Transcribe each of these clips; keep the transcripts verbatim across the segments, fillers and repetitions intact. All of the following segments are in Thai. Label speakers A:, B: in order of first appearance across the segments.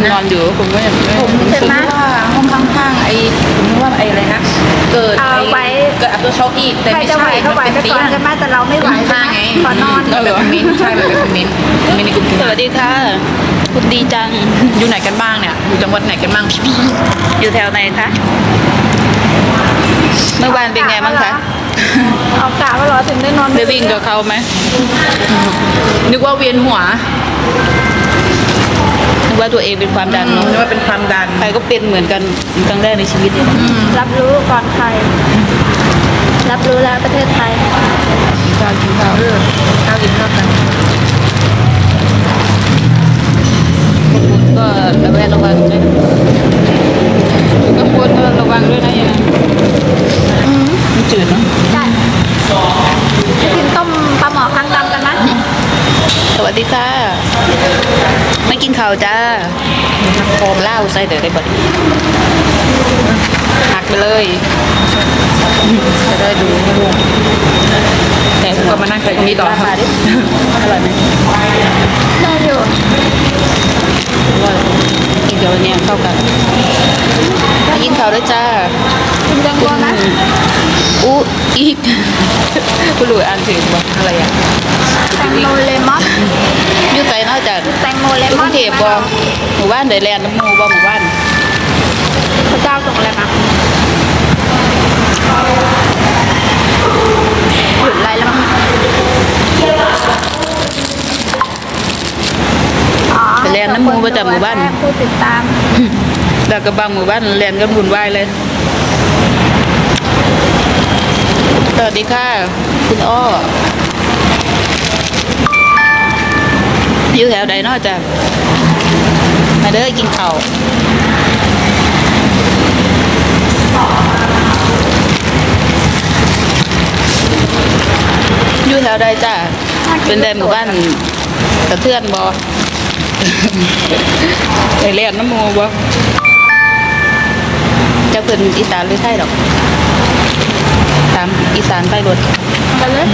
A: นอนอยู่ผมก็ยังไม่
B: ผมใช่ไหมว่าห้องข้างๆไอ้ผมว่าไอ้อะไรนะเกิดไอ้เกิดอัพตัวช็อกอีกแต่
C: ใคร
B: ไม่
C: จะไหว
B: ใช่
C: ก็ไหวไปก่อนใช่ไหมแต่เราไม่ไหวใช่
B: ข้าง
C: ไหม
B: ไง
C: ขอนอน
B: แบบคอมเมนต์ใช่แบบคอมเมนต์คอมเมนต์ในกลุ่ม
A: สวัสดีค่ะคุณดีจัง
B: อยู่ไหนกันบ้างเนี่ยอยู่จังหวัดไหนกันบ้าง
A: อยู่แถวไหนคะเมื่อวานเป็นไงบ้างคะ
C: เอากะว่าเหรอถึงได้นอน
A: ได้วิ่งกับเขาไหม
B: นึกว่าเวียนหัว
A: นึกว่าตัวเองเป็นความดันเนาะ
B: นึกว่าเป็นความดัน
A: ใครก็เป็นเหมือนกันครั้งแรกในชีวิตเลยนะ
C: รับรู้ก่อนใคร รับรู้แล้วประเทศไทย
A: ข้าวกินข้าว
B: เออข้าวกินข้าวกัน
A: พวกคุณก็ระแวดระวังด้วยก็ควรก็ระวังด้วยนะอย่างนั้นมันจืดเนาะ
C: ได้กินต้มปลาหมอคางดำกันไหม
A: สวัสดีค่ะไม่กินข้าวจ้าโคมเหล้าใส่เดี๋ยวได้บดหักไปเลยจะได้ดูให้ดูแต่
B: ก็มานั่งใส่ตรงนี้ต่อ
A: มาดิอร่อยไหม
C: ได้อยู่
A: อร่อยกินเดี๋ยวเนี้ยเข้ากันมากินข้าวด้วยจ้า
C: กินแตงโมไหม
A: อู้อีกผู้รู้อ่านถึงว่าอะไรอ่ะ
C: แตงโมเลมอน
A: อยู่ใจนอกจาก
C: แตงโมเล
A: ก
C: ม
A: รุ
C: อน
A: งเทพบ่หมู่บ้านเดแลนด์น้ำมูบ่หมู่บ้าน
C: พระเจ้าส่งอะไรมาหยุดไรแล้วมั้งอ๋อ
A: ไปแลนด์น้ำมูประจำหมู่บ้าน
C: ผู้ติดตาม
A: แล้วก็บางหมู่บ้านแลนด์กันวุ่นวายเลยสวัสดีค่ะคุณอ้ออยู่แถวใดนอกจากมาเด้อกินข้าวอยู่แถวใดจ้าเป็นใดหมู่บ้านกระเทือนบอ ไปเรียนน้ำหมูบ่จะเป็นอีสานหรือไทยดอกตามอีสานไปรถ
C: กันเลย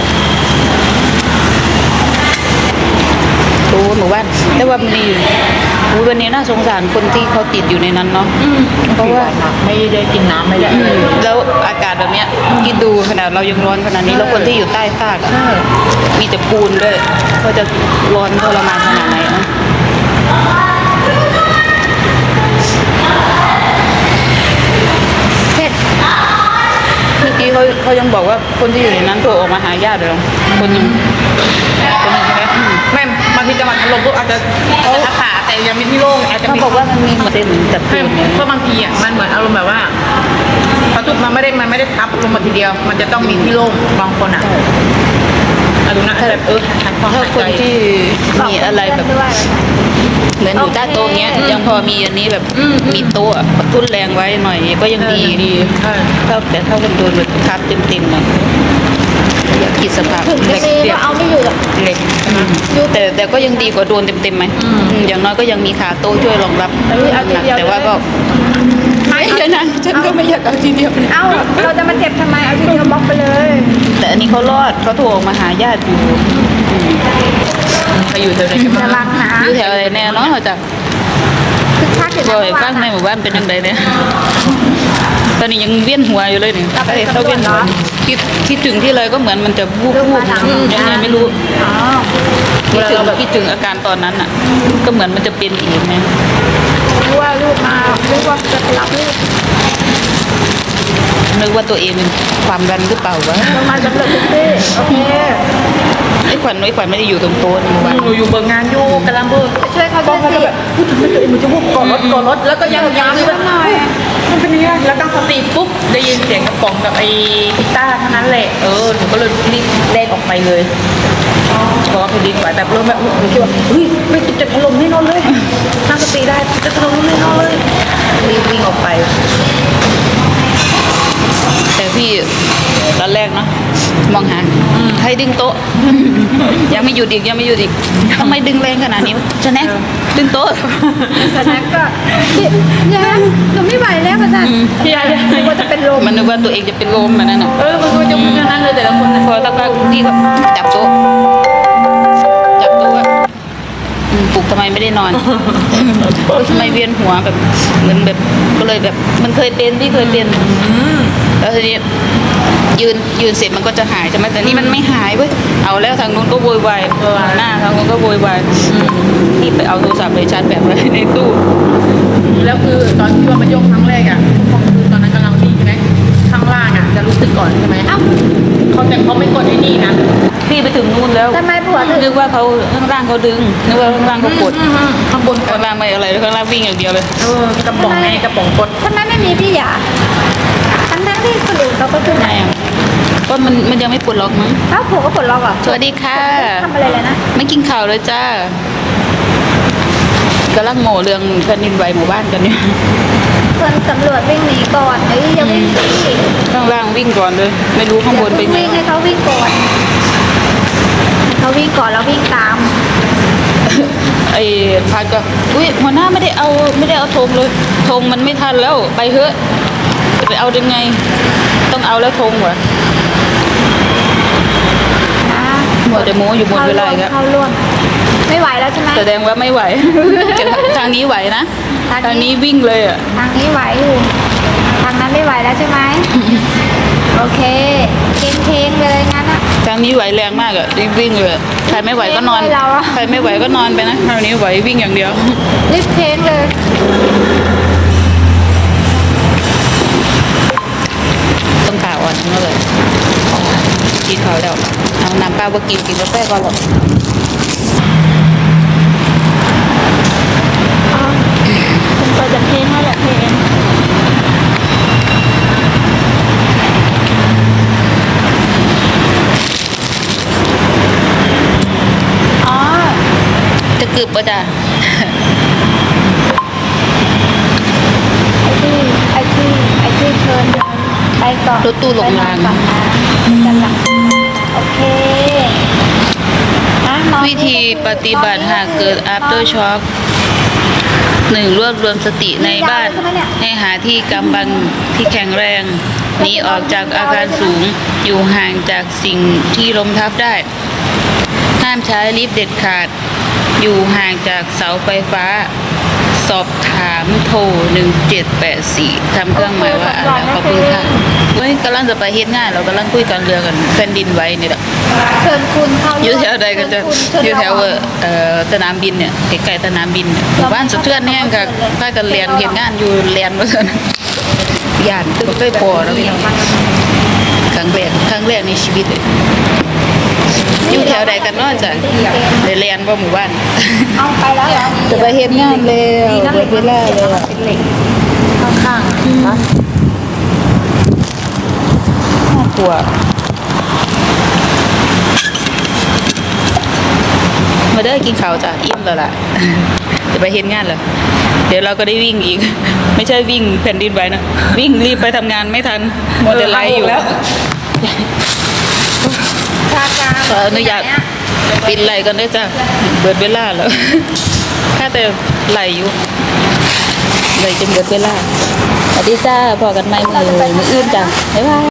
A: โอ้หมู่บ้านแต่ว่ามันดีโอ้วันนี้น่าสงสารคนที่เขาติดอยู่ในนั้นเนาะเพราะว่า
B: ไม่ได้กินน้ำไม่ได้อะไรเลย
A: แล้วอากาศแบบเนี้ยคิดดูขนาดเรายังร้อนขนาดนี้แล้วคนที่อยู่ใต้ซากอะมีแต่ปูนด้วยก็จะร้อนทรมานขนาดไหนเนาะ
C: เผ็ด
A: เมื่อกี้เขาเขายังบอกว่าคนที่อยู่ในนั้นโทรออกมาหาญาติเลยคนหนึงคนหนึงใช่ไหมอืม
B: ไม่บางทีจังหวัดอารมณ์ก็อาจจะอาจจะทับขาแต่ยังมีที่โล่งอาจจะ
A: เขา
B: มี
A: บอกว่ามันมีเส้นจับ
B: ไม่
A: ปูนเนี่ย
B: เพราะบางทีอ่ะมันเหมือนอารมณ์แบบว่าพอทุกมันไม่ได้มันไม่ได้ทับลงมาทีเดียว มันจะต้องมีที่โล่งบางคนอ่ะอารมณ์นะแบบเออทางความ
A: ถ้า
B: หาย
A: ค
B: ใจ
A: นที่มีอะไรแบบ
C: ด้วย
A: เหมือนอยู่ใต้โต๊ะเงี้ยยังพอมีอันนี้แบบมีโต๊ะกระตุ้นแรงไว้หน่อยก็ยังดี
B: ดีใช่
A: ถ้าแต่ถ้าคนโดนแบบทับเต็มๆนะอยากคิดสภาพ
C: ถึงจะมีก็เอาไม่อยู่หรอก
B: เหล็ก
A: แต่แต่ก็ยังดีกว่าโดนเต็มๆไหมอืมอย่างน้อยก็ยังมีขาโต๊ะช่วยรองรับ
C: เอ้ยเอาที
A: หนัก
C: เดียว
A: แต่ว่าก็ไม่ใช่นะฉันก็ไม่อยากเอาทีเดียว
C: เอ้าเราจะมาเจ็บทำไมเอาทีเดียวบล็อกไปเลย
A: แต่อันนี้เขารอดเขาโทรออกมาหาญาติอยู่
B: ไปอยู่แถวไหนกัน
C: จะ
B: บ้าง
C: รักนะ
A: อยู่แถวไหนแน่เนอนเขาจะ
C: คือถ้าเกิด
A: บ่อยฟังในหมู่บ้านเป็นยังไงเนี่ยตอนนี้ยังเวียนหัวอยู่เลยเนี่ยเขาเวียนหัวคิดคิดถึงที่เลยก็เหมือนมันจะวูบวูบยังไงไม่รู้
C: อ๋อ
A: คิดถึงคิดถึงอาการตอนนั้นอ่ะ ก็เหมือนมันจะเป็นอีกนะ
C: รู้ว่าลูกมารู้ว่าจะไปรับลูก
A: นึกว่าตัวเองเป็นความดันหรือเปล่าวะ
C: ลงมาสำเร็จทุกที่โอเค
A: ไอ้ขวัญไอ้ขวัญไม่ได้อยู่ตรงโต๊ะนี่หว่า
B: หนูอยู่เบิกงานอยู่กำลังเบิก
C: ไปช่วยเขา
B: ก
C: ด้
B: อ
C: ว
B: ง
C: ย
B: เขา
C: สิ
B: จะแบบพูดถึงตัวเองมันจะวุบก่อนรถก่อนรถแล้วก็ยังยัง
C: ช่วยหน่อย
B: มันเป็นยังไงแล้วตั้งสติปุ๊บได้ยินเสียงกระป๋องกับไอ้พิต้าเท่านั้นแหละเออหนูก็เลยรีบเล่นออกไปเลยเพราะว่าพอดีกว่าแบบเริ่มแบบหนูคิดว่าเฮ้ยไม่จะถล่มแน่นอนเลยตั้งสติได้จะถล่มแน่นอนเลยรีบวิ่งออกไป
A: แต่พี่ตอนแรกเนาะมองหาให้ดึงโต๊ะ ยังไม่หยุดอีกยังไม่หยุดอีกทำไมดึงแรงขนาดนี้จะแน่ดึงโต๊ะ
C: แต่นั้นก็พี่ยังหนูไม่ไหวแล้วอาจารย์พี่ยังนึกว่าจะเป็นลม
A: มันนึกว่าตัวเองจะเป็นลมมันนั่นน่ะ
B: เออมันก็จะเป็นอย่างนั้นเลยแต่ละคนนะ
A: พอสักพักพี่ก็จับโต๊ะจับโต๊ะอะอืมปูลุกทำไมไม่ได้นอนเออทำไมเวียนหัวแบบเหมือนแบบก็เลยแบบมันเคยเป็นพี่เคยเป็นแล้วทีนี้ยืนยืนเสร็จมันก็จะหายใช่ไหมแต่นี่มันไม่หายเว้ยเอาแล้วทางนู้นก็โวยวายหน้าทางนู้นก็โวยวายพี่ไปเอาโทรศัพท์ไปชาร์จแบตไว้ในตู้
B: แล้วคือตอนที่ว่ามันยกครั้งแรกอ่ะคือตอนนั้นกำลังวิ่งใช่ไหมข้างล่างอ่ะจะรู้สึกก่อนใช่ไหม
C: เอ้า
B: เขาแต่เขาไม่กดไอ้นี่นะ
A: พี่ไปถึงนู่นแล้ว
C: ทำไมผัวถึง
A: นึกว่าเขาข้างล่างเขาดึงนึกว่าข้างล่างเขากด
B: ข้างบนก
A: ข้า
B: ด
A: งล่างไม่อะไรข้างล่างวิ่งอย่างเดียวเลย
B: เออกระป๋องไงกระป๋องกด
C: ทำไมไม่มีพี่หยาทั้งทั้งๆที่คนอื่นเขาก็ขึ้น
A: ไหนอ่ะก็มันมันยังไม่ปลดล็อกมั้ง
C: เอ้าผัวก็ปลดล็อกเหรอ่ะ
A: สวัสดีค่ะ
C: ทำอะไรเลยนะ
A: ไม่กินข่าวเลยจ้ากำลังโง่เรื่องแผ่นดินไหวหมู่บ้านกันเนี่ย
C: คนสำรวจวิ่งหนีก่อนเอ้ยอย่าวิ่งสิ
A: ข้างล่างวิ่งก่อนเลย ไม่รู้ข้างบนเป็น
C: วิ่ง
A: ไง
C: ให้เขาวิ่งก่อนให้เขาวิ่งก่อนแล้ววิ่งตาม
A: ไอ้พัดก็อุ้ยหัวหน้าไม่ได้เอาไม่ได้เอาธงเลยธงมันไม่ทันแล้วไปเถอะจะไปเอายังไง ต้องเอาแล้วธงวะ
C: นะ
A: หมดแต่โม้อยู่บนเวลาอีกแล้ว
C: เข้าร่วมไม่ไหวแล้วใช่ไหม
A: แสดงว่าไม่ไหว ทางนี้ไหวนะ
C: ทางนี้
A: ทางนี้วิ่งเลยอ่ะ
C: ทางนี้ไหวอยู่ทางนั้นไม่ไหวแล้วใช่ไหมโอเคเค้งเค้งๆเลยงั้นอะ
A: ทางนี้ไหวแรงมากอ่ะรีบวิ่งเลยอะใครไม่ไหวก็นอน
C: ไม่เราอะ
A: ใครไม่ไหวก็นอนไปนะทางนี้ไหววิ่งอย่างเดียว
C: รีบเค้งเลย
A: ต้องขาอ่อนทั้งนั้นเลยกินเขาวแล้วเอาน้ำเปล่ามากินกินกาแฟก่อนหรอก
C: คุณก็จะเค้งแล้วแหละเค้งอ๋อ
A: จะกึบปะจ้ะ
C: ไอ้ที่ไอ้ที่ไอ้ที่เชิญเดินไปก่อน
A: รถตู้ลงราง
C: ไปนอนก่อนนะกันหลังโอเคอ่ะนอน
A: วิธีปฏิบัติหากเกิด after shock หนึ่งรวบรวมสติในบ้าน ให้หาที่กำบังที่แข็งแรงหนีออกจากอาคารสูง อยู่ห่างจากสิ่งที่ล้มทับได้ ห้ามใช้ลิฟต์เด็ดขาด อยู่ห่างจากเสาไฟฟ้า สอบถามโทรหนึ่งเจ็ดแปดสี่ทำเครื่องหมายว่าอ่านแล้วขอบคุณค่ะเฮ้ยกำลังจะไปเฮ็ดงานเรากำลังคุยกันเรือกันแผ่นดินไหวนี่แหละ
C: เชิญคุณเข้า
A: อยู่แถวใดกันจะ
C: เชิญคุณ
A: อยู่แถว
C: เชิญ
A: เอ่อสนามบินเนี่ยใกล้ๆสนามบินเนี่ยหมู่บ้านสะเทือนแห้งกับพากันเรียนเฮ็ดงานอยู่เรียนว่าซั่นย่านตึกใกล้พอแล้วพี่น้องครั้งแรกครั้งแรกในชีวิตเลยอยู่แถวใดกันเนาะจ้ะได้เรียนบ่หมู่บ้าน
C: เอาไปแล้วเหรอ
A: จะไปเฮ็ดงานแล้วเบิดเวลาแล้ว
C: เป็นเหล็ก
B: ข้างๆนะ
A: น่ากลัวมาเด้อกินข้าวจ้ะอิ่มแล้วล่ะ จะไปเฮ็ดงานแล้วเดี๋ยวเราก็ได้วิ่งอีก ไม่ใช่วิ่งแผ่นดินไหวนะวิ่งรีบไปทำงานไม่ทันหมดแต่ไลฟ์อยู่
B: แล้ว
C: ชาการ
A: ขออนุญาตปิดไหลก่อนด้วยจ้ะเบิดเวลาแล้ว ถ้าแต่ไหลอยู่ไหลจนเบิดเวลาสวัสดีจ้าพอกันไหมมือมืออื่นจ้ะบ๊ายบาย